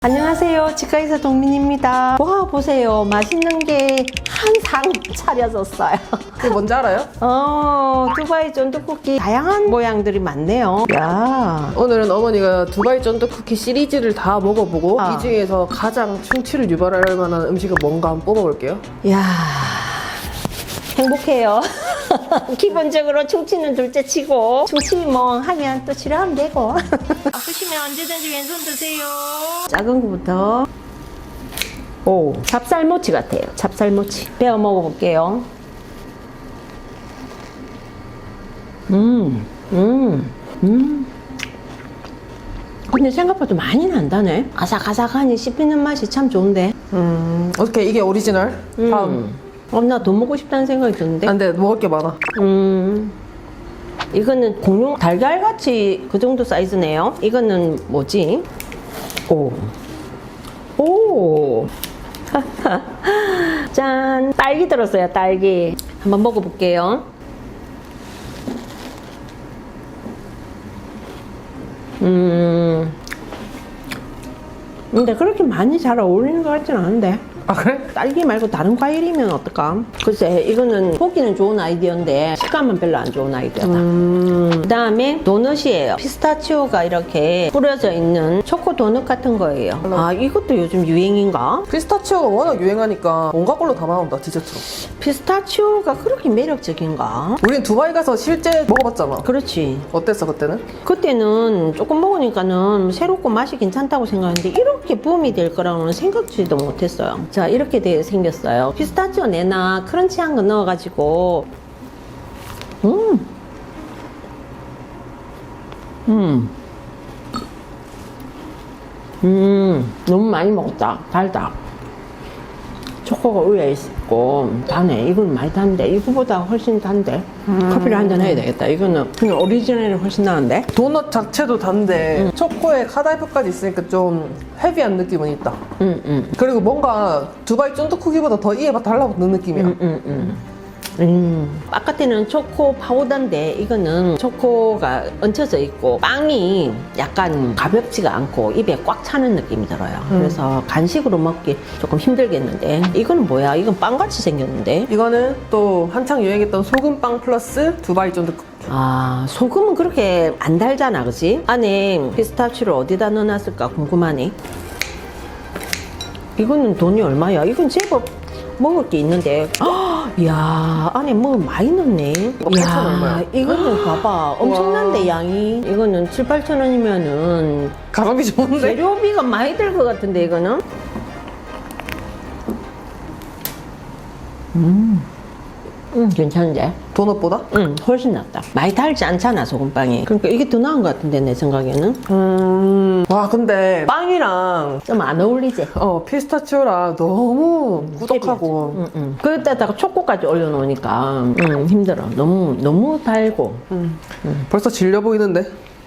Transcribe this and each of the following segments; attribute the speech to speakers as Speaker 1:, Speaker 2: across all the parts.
Speaker 1: 안녕하세요. 치과의사 동민입니다. 와, 보세요. 맛있는 게 한 상 차려졌어요.
Speaker 2: 그게 뭔지 알아요?
Speaker 1: 두바이 쫀득쿠키 다양한 모양들이 많네요. 야,
Speaker 2: 오늘은 어머니가 두바이 쫀득 쿠키 시리즈를 다 먹어보고
Speaker 1: 아.
Speaker 2: 이 중에서 가장 충치를 유발할 만한 음식은 뭔가 한번 뽑아볼게요.
Speaker 1: 야, 행복해요. 기본적으로 충치는 둘째 치고 충치 뭐 하면 또 치료하면 되고. 아프시면 언제든지 왼손 드세요. 작은 거부터. 오, 찹쌀모치 같아요. 찹쌀모치. 베어 먹어볼게요. 근데 생각보다 많이 난다네. 아삭아삭하니 씹히는 맛이 참 좋은데.
Speaker 2: 어떻게 이게 오리지널? 다음.
Speaker 1: 나 돈 먹고 싶다는 생각이 드는데.
Speaker 2: 안 돼, 먹을 게 많아.
Speaker 1: 이거는 공룡 달걀같이 그 정도 사이즈네요. 이거는 뭐지? 오. 짠. 딸기 들었어요, 딸기. 한번 먹어볼게요. 근데 그렇게 많이 잘 어울리는 것 같진 않은데.
Speaker 2: 아, 그래?
Speaker 1: 딸기 말고 다른 과일이면 어떨까? 글쎄, 이거는 보기는 좋은 아이디어인데 식감은 별로 안 좋은 아이디어다. 그 다음에 도넛이에요. 피스타치오가 이렇게 뿌려져 있는 초코 도넛 같은 거예요. 아, 이것도 요즘 유행인가?
Speaker 2: 피스타치오가 워낙 유행하니까 온갖 걸로 다 나온다, 디저트로.
Speaker 1: 피스타치오가 그렇게 매력적인가?
Speaker 2: 우린 두바이 가서 실제 먹어봤잖아.
Speaker 1: 그렇지.
Speaker 2: 어땠어, 그때는?
Speaker 1: 그때는 조금 먹으니까는 새롭고 맛이 괜찮다고 생각했는데 이렇게 붐이 될 거라고는 생각지도 못했어요. 자, 이렇게 생겼어요. 피스타치오 내나 크런치한 거 넣어가지고 너무 많이 먹었다. 달다. 초코가 위에 있고 다네. 이건 많이 단데 이거보다 훨씬 단데 커피를 한잔 해야 되겠다. 이거는 그냥 오리지널이 훨씬 나은데.
Speaker 2: 도넛 자체도 단데 초코에 카다이프까지 있으니까 좀 헤비한 느낌은 있다. 그리고 뭔가 두바이 쫀득 쿠키보다 더 이에 달라붙는 느낌이야.
Speaker 1: 바깥에는 초코 파우더인데 이거는 초코가 얹혀져 있고 빵이 약간 가볍지가 않고 입에 꽉 차는 느낌이 들어요. 그래서 간식으로 먹기 조금 힘들겠는데 이거는 뭐야? 이건 빵같이 생겼는데.
Speaker 2: 이거는 또 한창 유행했던 소금빵 플러스 두바이 쫀득 쿠키.
Speaker 1: 아, 소금은 그렇게 안 달잖아, 그치? 안에 피스타치오를 어디다 넣어놨을까 궁금하네. 이거는 돈이 얼마야? 이건 제법 먹을 게 있는데. 이야, 안에 뭐 많이 넣네.
Speaker 2: 8,000 얼마야?
Speaker 1: 이거는 봐봐. 엄청난데, 양이. 이거는 7, 8천 원이면은
Speaker 2: 가성비 좋은데?
Speaker 1: 재료비가 많이 들 것 같은데, 이거는? 괜찮은데?
Speaker 2: 도넛보다?
Speaker 1: 훨씬 낫다. 많이 달지 않잖아, 소금빵이. 그러니까 이게 더 나은 것 같은데, 내 생각에는.
Speaker 2: 와, 근데 빵이랑
Speaker 1: 좀 안 어울리지?
Speaker 2: 피스타치오랑 너무 꾸덕하고.
Speaker 1: 그때다가 초코까지 올려놓으니까 힘들어. 너무 달고.
Speaker 2: 벌써 질려 보이는데?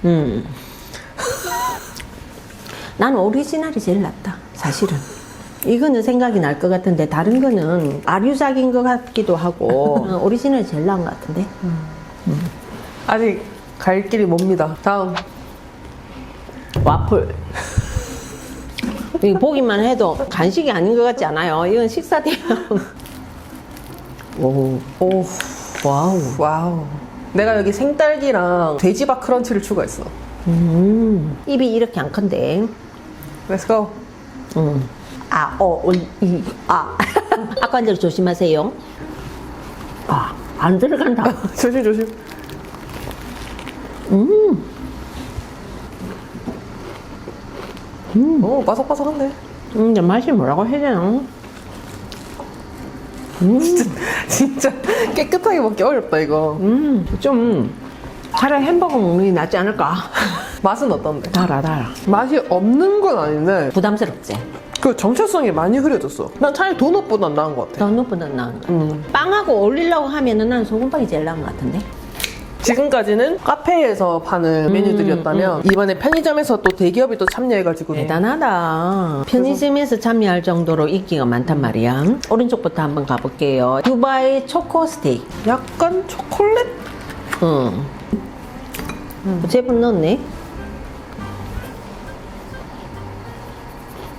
Speaker 1: 난 오리지널이 제일 낫다, 사실은. 이거는 생각이 날 것 같은데 다른 거는 아류작인 것 같기도 하고 오리지널이 제일 나은 것 같은데.
Speaker 2: 아직 갈 길이 멉니다. 다음.
Speaker 1: 와플. 이거 보기만 해도 간식이 아닌 것 같지 않아요? 이건 식사 대용. 오, 와우.
Speaker 2: 와우. 내가 여기 생딸기랑 돼지밥 크런치를 추가했어.
Speaker 1: 입이 이렇게 안 큰데.
Speaker 2: Let's go.
Speaker 1: 악관절 조심하세요. 안 들어간다.
Speaker 2: 조심, 조심. 오, 바삭바삭한데.
Speaker 1: 근데 맛이 뭐라고 해야 되나?
Speaker 2: 진짜 깨끗하게 먹기 어렵다, 이거.
Speaker 1: 좀 차라리 햄버거 먹는 게 낫지 않을까?
Speaker 2: 맛은 어떤데?
Speaker 1: 달아.
Speaker 2: 맛이 없는 건 아닌데
Speaker 1: 부담스럽지?
Speaker 2: 그 정체성이 많이 흐려졌어. 난 차라리 도넛보다 나은 것 같아.
Speaker 1: 도넛보다 나은 거. 빵하고 어울리려고 하면은 난 소금빵이 제일 나은 것 같은데?
Speaker 2: 지금까지는 카페에서 파는 메뉴들이었다면 이번에 편의점에서 또 대기업이 또 참여해가지고
Speaker 1: 대단하다. 편의점에서 참여할 정도로 인기가 많단 말이야. 오른쪽부터 한번 가볼게요. 두바이 초코 스테이크.
Speaker 2: 약간 초콜릿?
Speaker 1: 제법 넣었네.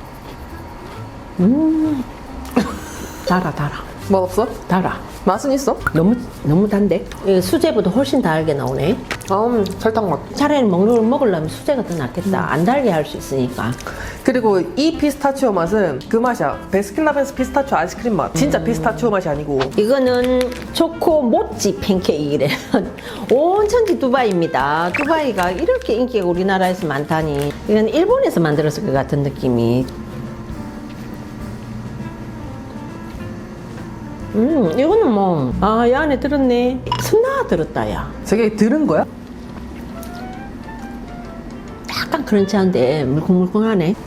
Speaker 1: 달아.
Speaker 2: 맛없어?
Speaker 1: 달아.
Speaker 2: 맛은 있어?
Speaker 1: 너무 단데? 이거 수제보다 훨씬 달게 나오네.
Speaker 2: 설탕 맛.
Speaker 1: 차라리 먹는 걸 먹으려면 수제가 더 낫겠다. 안 달게 할 수 있으니까.
Speaker 2: 그리고 이 피스타치오 맛은 그 맛이야. 베스킨라빈스 피스타치오 아이스크림 맛. 진짜 피스타치오 맛이 아니고.
Speaker 1: 이거는 초코 모찌 팬케이크래. 온천지 두바이입니다. 두바이가 이렇게 인기가 우리나라에서 많다니. 이건 일본에서 만들었을 것 같은 느낌이. 이거는 뭐, 이 안에 들었네. 순나 들었다, 야.
Speaker 2: 저게 들은 거야?
Speaker 1: 약간 크런치한데 물컹물컹하네.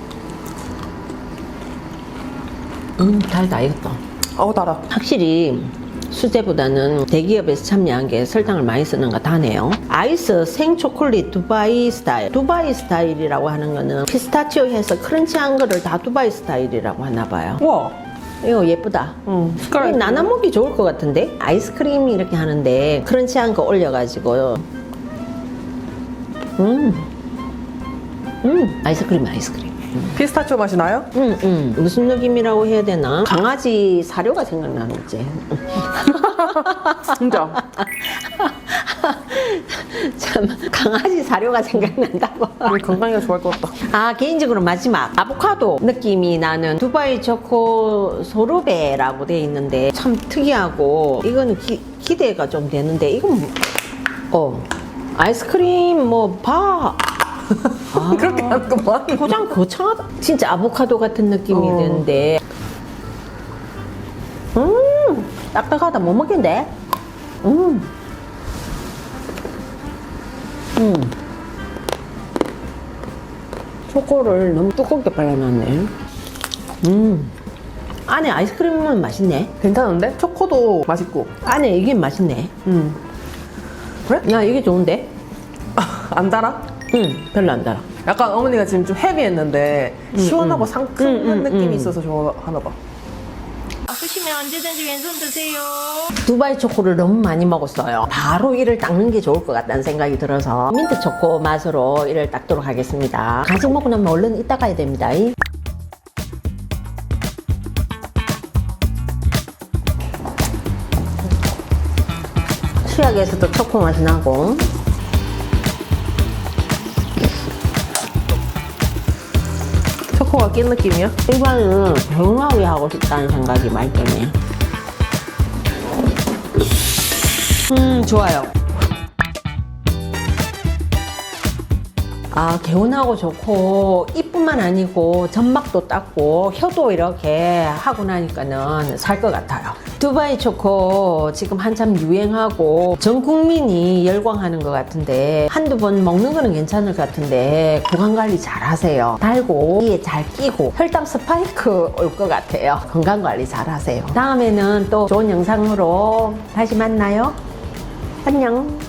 Speaker 1: 달다, 이것도.
Speaker 2: 달아.
Speaker 1: 확실히 수제보다는 대기업에서 참여한 게 설탕을 많이 쓰는 거 다네요. 아이스 생초콜릿 두바이 스타일. 두바이 스타일이라고 하는 거는 피스타치오 해서 크런치한 거를 다 두바이 스타일이라고 하나 봐요.
Speaker 2: 우와.
Speaker 1: 이거 예쁘다.
Speaker 2: 색깔.
Speaker 1: 나눠 먹기 좋을 것 같은데? 아이스크림 이렇게 하는데 크런치한 거 올려가지고. 아이스크림.
Speaker 2: 피스타치오 맛이 나요?
Speaker 1: 무슨 느낌이라고 해야 되나? 강아지 사료가 생각나는 거지.
Speaker 2: 진짜.
Speaker 1: 참, 강아지 사료가 생각난다고.
Speaker 2: 우리 건강이가 좋아할 것 같다.
Speaker 1: 개인적으로 마지막 아보카도 느낌이 나는 두바이 초코 소르베라고 돼 있는데 참 특이하고 이거는 기대가 좀 되는데 이건 아이스크림
Speaker 2: 그렇게 하는 거만.
Speaker 1: 포장 거창하다. 진짜 아보카도 같은 느낌이 드는데 딱딱하다. 못 먹겠는데. 초코를 너무 두껍게 발라놨네. 안에 아이스크림은 맛있네.
Speaker 2: 괜찮은데? 초코도 맛있고.
Speaker 1: 안에 이게 맛있네.
Speaker 2: 그래?
Speaker 1: 야, 이게 좋은데?
Speaker 2: 안 달아?
Speaker 1: 별로 안 달아.
Speaker 2: 약간 어머니가 지금 좀 헤비했는데 시원하고 상큼한 느낌이 있어서 좋아하나 봐.
Speaker 1: 아프시면 언제든지 왼손 드세요. 두바이 초코를 너무 많이 먹었어요. 바로 이를 닦는 게 좋을 것 같다는 생각이 들어서 민트 초코 맛으로 이를 닦도록 하겠습니다. 간식 먹고 나면 얼른 이따 가야 됩니다. 치약에서도 초코 맛이 나고.
Speaker 2: 초코가 낀 느낌이야?
Speaker 1: 일반은 개운하게 하고 싶다는 생각이 많이 드네요. 좋아요. 개운하고 좋고 이뿐만 아니고 점막도 닦고 혀도 이렇게 하고 나니까는 살 것 같아요. 두바이 초코 지금 한참 유행하고 전 국민이 열광하는 것 같은데 한두 번 먹는 거는 괜찮을 것 같은데 구강관리 잘 하세요. 달고 이에 잘 끼고 혈당 스파이크 올 것 같아요. 건강관리 잘 하세요. 다음에는 또 좋은 영상으로 다시 만나요. 안녕.